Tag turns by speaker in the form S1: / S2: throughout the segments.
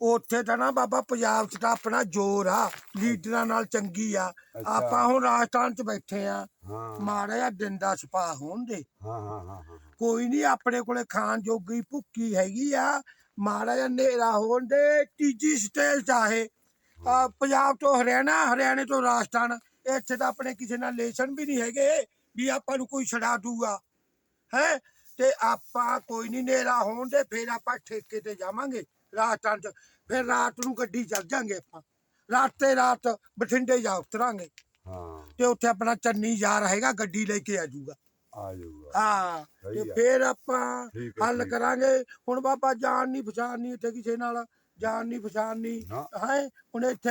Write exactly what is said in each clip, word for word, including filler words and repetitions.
S1: ਉੱਥੇ ਤਾਂ ਨਾ ਬਾਬਾ ਪੰਜਾਬ 'ਚ ਤਾਂ ਆਪਣਾ ਜ਼ੋਰ ਆ, ਲੀਡਰਾਂ ਨਾਲ ਚੰਗੀ ਆ। ਆਪਾਂ ਹੁਣ ਰਾਜਸਥਾਨ 'ਚ ਬੈਠੇ ਆ, ਮਾੜਾ ਜਿਹਾ ਦਿਨ ਦਾ ਸਪਾ ਹੋਣ ਦੇ। ਕੋਈ ਨਹੀਂ, ਆਪਣੇ ਕੋਲੇ ਖਾਣ ਜੋਗੀ ਭੁੱਕੀ ਹੈਗੀ ਆ, ਮਾੜਾ ਜਿਹਾ ਹਨੇਰਾ ਹੋਣ ਦੇ। ਤੀਜੀ ਸਟੇਜ ਚਾਹੇ ਪੰਜਾਬ ਤੋਂ ਹਰਿਆਣਾ, ਹਰਿਆਣੇ ਤੋਂ ਰਾਜਸਥਾਨ, ਇੱਥੇ ਤਾਂ ਆਪਣੇ ਕਿਸੇ ਨਾਲ ਰਿਲੇਸ਼ਨ ਵੀ ਨਹੀਂ ਹੈਗੇ ਵੀ ਆਪਾਂ ਨੂੰ ਕੋਈ ਛਡਾ ਦੂਗਾ ਹੈ। ਤੇ ਆਪਾਂ ਕੋਈ ਨਹੀਂ, ਹਨੇਰਾ ਹੋਣ ਦੇ ਫਿਰ ਆਪਾਂ ਠੇਕੇ ਤੇ ਜਾਵਾਂਗੇ ਰਾਜਸਥਾਨ 'ਚ। ਫਿਰ ਰਾਤ ਨੂੰ ਗੱਡੀ ਚੱਲ ਜਾਂਗੇ ਆਪਾਂ, ਰਾਤੇ ਰਾਤ ਬਠਿੰਡੇ ਜਾ ਉਤਰਾਂਗੇ ਤੇ ਉੱਥੇ ਆਪਣਾ ਚੰਨੀ ਯਾਰ ਹੈਗਾ, ਗੱਡੀ ਲੈ ਕੇ ਆ ਜਾਊਗਾ। ਹਾਂ, ਤੇ ਫਿਰ ਆਪਾਂ ਹੱਲ ਕਰਾਂਗੇ। ਹੁਣ ਬਾਬਾ ਜਾਣ ਨਹੀਂ ਪਛਾਣ ਨਹੀਂ ਇੱਥੇ ਕਿਸੇ ਨਾਲ, ਜਾਣ ਨਹੀਂ ਪਛਾਣ ਨਹੀਂ ਹੈ। ਹੁਣ ਇੱਥੇ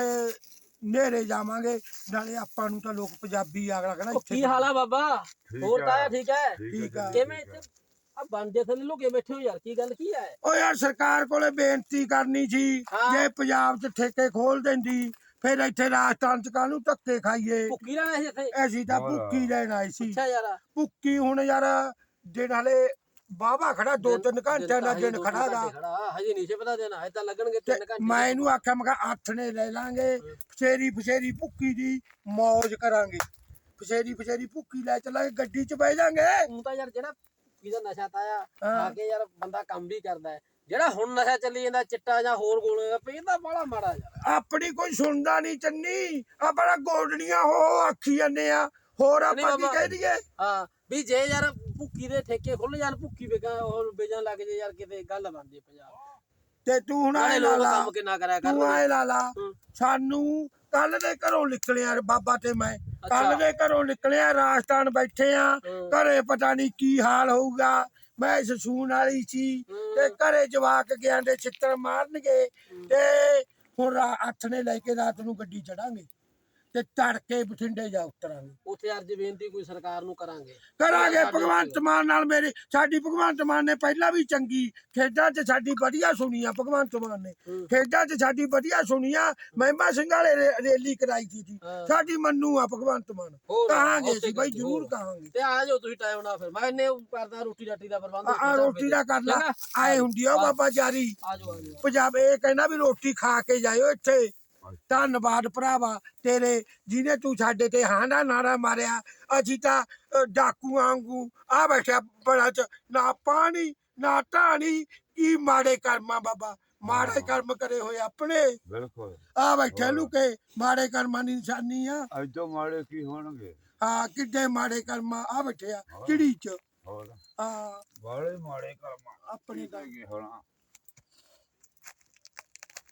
S1: ਨੇੜੇ ਜਾਵਾਂਗੇ, ਨਾਲੇ ਆਪਾਂ ਨੂੰ ਤਾਂ ਲੋਕ ਪੰਜਾਬੀ ਅਗਲਾ ਕਹਿੰਦਾ
S2: ਕੀ ਹਾਲ ਆ ਬਾਬਾ? ਹੋਰ ਤਾਂ ਠੀਕ ਹੈ?
S1: ਠੀਕ ਆ।
S2: ਕਿਵੇਂ ਆ ਬੰਦੇ ਥੱਲੇ ਲੁਕੇ ਬੈਠੇ ਹੋ ਯਾਰ, ਕੀ ਗੱਲ ਕੀ ਹੈ?
S1: ਓ ਯਾਰ ਸਰਕਾਰ ਕੋਲੇ ਬੇਨਤੀ ਕਰਨੀ ਸੀ, ਜੇ ਪੰਜਾਬ 'ਚ ਠੇਕੇ ਖੋਲ ਦਿੰਦੀ ਫਿਰ ਇੱਥੇ ਰਾਜਸਥਾਨ 'ਚ ਕਾਹਨੂੰ ਧੱਕੇ ਖਾਈਏ।
S2: ਭੁੱਕੀ ਲੈਣਾ ਸੀ ਇੱਥੇ?
S1: ਅਸੀਂ ਤਾਂ ਭੁੱਕੀ ਲੈਣ ਆਏ ਸੀ।
S2: ਅੱਛਾ ਯਾਰ,
S1: ਭੁੱਕੀ ਹੁਣ ਯਾਰ ਦਿਨ ਹਲੇ ਬਾਬਾ ਖੜਾ, ਦੋ ਤਿੰਨ ਘੰਟਿਆਂ ਦਾ ਦਿਨ ਖੜਾ ਗਾ।
S2: ਹਜੇ ਨਹੀਂ ਪਤਾ ਦੇਣਾ, ਹਜੇ ਤਾਂ ਲੱਗਣਗੇ ਤਿੰਨ ਘੰਟੇ।
S1: ਮੈਂ ਇਹਨੂੰ ਆਖਿਆ, ਮੈਂ ਕਿਹਾ ਅੱਠ ਨੇ ਲੈ ਲਾਂਗੇ, ਫਸੇਰੀ ਫਸੇਰੀ ਭੁੱਕੀ ਦੀ ਮੌਜ ਕਰਾਂਗੇ। ਫਸੇਰੀ ਫਸੇਰੀ ਭੁੱਕੀ ਲੈ ਚੱਲਾਂਗੇ, ਗੱਡੀ 'ਚ ਬਹਿ ਜਾਾਂਗੇ।
S2: ਤੂੰ ਤਾਂ ਯਾਰ ਜਿਹੜਾ ਭੁੱਕੀ ਦਾ ਨਸ਼ਾ ਤਾਇਆ ਆ ਕੇ ਯਾਰ ਬੰਦਾ ਕੰਮ ਵੀ ਕਰਦਾ ਹੈ, ਜਿਹੜਾ ਹੁਣ ਨਸ਼ਾ ਚੱਲੀ ਜਾਂਦਾ ਚਿੱਟਾ ਜਾਂ ਹੋਰ ਗੋਲੇ ਪੈਂਦਾ ਬੜਾ ਮਾੜਾ ਯਾਰ। ਆਪਣੀ ਕੋਈ ਸੁਣਦਾ ਨਹੀਂ ਚੰਨੀ, ਆਪਣਾ ਗੋਡਣੀਆਂ ਹੋ ਆਖੀ ਜਾਂਦੇ ਆ, ਹੋਰ ਆਪਾਂ ਕੀ ਕਹਿ ਦਈਏ। ਹਾਂ ਵੀ ਜੇ ਯਾਰ ਭੁੱਕੀ ਦੇ ਠੇਕੇ ਖੁੱਲ ਜਾਣ, ਭੁੱਕੀ ਵੇਚਣ ਹੋਰ ਵੇਚਣ ਲੱਗ ਜੇ ਯਾਰ, ਕਿਤੇ ਗੱਲ ਬਣਦੀ ਪੰਜਾਬ
S1: ਤੇ ਤੂੰ ਹੁਣ ਆਏ ਲਾ ਲਾ,
S2: ਕੰਮ ਕਿੰਨਾ ਕਰਿਆ ਕਰ।
S1: ਤੂੰ ਆਏ ਲਾ ਲਾ, ਸਾਨੂੰ ਕੱਲ ਦੇ ਘਰੋਂ ਨਿਕਲਿਆ ਬਾਬਾ ਤੇ ਮੈਂ, ਕੱਲ ਦੇ ਘਰੋਂ ਨਿਕਲਿਆ, ਰਾਜਸਥਾਨ ਬੈਠੇ ਆ, ਘਰੇ ਪਤਾ ਨਹੀਂ ਕੀ ਹਾਲ ਹੋਊਗਾ। ਮੈਂ ਸਸੂਨ ਵਾਲੀ ਸੀ ਤੇ ਘਰੇ ਜਵਾਕ ਗਿਆ ਦੇ ਛਿੱਤਰ ਮਾਰਨਗੇ। ਤੇ ਹੁਣ ਅੱਠ ਨੇ ਲੈ ਕੇ ਰਾਤ ਨੂੰ ਗੱਡੀ ਚੜਾਂਗੇ ਤੇ ਤੜਕੇ ਬਠਿੰਡੇ ਜਾ ਉਤਰਾਂਗੇ।
S2: ਉੱਥੇ ਅਰਜ਼ ਬੇਨਤੀ ਕੋਈ ਸਰਕਾਰ ਨੂੰ ਕਰਾਂਗੇ
S1: ਕਰਾਂਗੇ ਭਗਵੰਤ ਮਾਨ ਨਾਲ। ਮੇਰੀ ਸਾਡੀ ਭਗਵੰਤ ਮਾਨ ਨੇ ਪਹਿਲਾਂ ਵੀ ਚੰਗੀ ਖੇਡਾਂ 'ਚ ਸਾਡੀ ਵਧੀਆ ਸੁਣੀ ਆ। ਭਗਵੰਤ ਮਾਨ ਨੇ ਖੇਡਾਂ 'ਚ ਸਾਡੀ ਵਧੀਆ ਸੁਣੀ ਆ। ਮਹਿਮਾ ਸਿੰਘ ਵਾਲੇ ਰੈਲੀ ਕਰਾਈ ਸੀ, ਸਾਡੀ ਮੰਨੂ ਆ ਭਗਵੰਤ ਮਾਨ। ਕਹਾਂਗੇ ਅਸੀਂ ਬਾਈ, ਜ਼ਰੂਰ ਕਹਾਂਗੇ।
S2: ਤੇ ਆ ਜਾਓ ਤੁਸੀਂ ਟਾਈਮ ਨਾਲ, ਫਿਰ ਮੈਂ ਇਹਨੇ ਕਰਦਾ ਰੋਟੀ ਰਾਟੀ ਦਾ ਪ੍ਰਬੰਧ।
S1: ਆ ਰੋਟੀ ਦਾ ਕਰ ਲਾ, ਆਏ ਹੁੰਦੀ ਆ ਬਾਬਾ ਜਾਰੀ ਪੰਜਾਬ। ਇਹ ਕਹਿੰਦਾ ਵੀ ਰੋਟੀ ਖਾ ਕੇ ਜਾਇਓ ਇੱਥੇ। ਧੰਨਵਾਦ ਭਰਾਵਾ ਤੇਰੇ, ਜਿਹਨੇ ਤੂੰ ਸਾਡੇ ਤੇ ਹਾਂ ਨਾ ਨਾਰਾ ਮਾਰਿਆ। ਅਸੀਂ ਤਾਂ ਡਾਕੂ ਵਾਂਗੂ ਆ ਬੈਠਿਆ ਬੜਾ ਚ, ਨਾ ਪਾਣੀ ਨਾ ਢਾਣੀ। ਕੀ ਮਾੜੇ ਕਰਮਾਂ ਬਾਬਾ, ਮਾੜੇ ਕਰਮ ਕਰੇ ਹੋਏ ਆਪਣੇ।
S3: ਬਿਲਕੁਲ
S1: ਆ ਬੈਠੇ ਲੁਕੇ, ਮਾੜੇ ਕਰਮਾਂ ਦੀ ਨਿਸ਼ਾਨੀ ਆ।
S3: ਐਦੋਂ ਮਾੜੇ ਕੀ ਹੋਣਗੇ?
S1: ਹਾਂ, ਕਿੱਡੇ ਮਾੜੇ ਕਰਮਾਂ ਆ ਬੈਠੇ ਆ ਚਿੜੀ ਚ।
S3: ਹੋਰ
S1: ਹਾਂ,
S3: ਬਾਲੇ ਮਾੜੇ ਕਰਮ
S1: ਆਪਣੇ ਤਾਂ
S3: ਹੋਣਾ।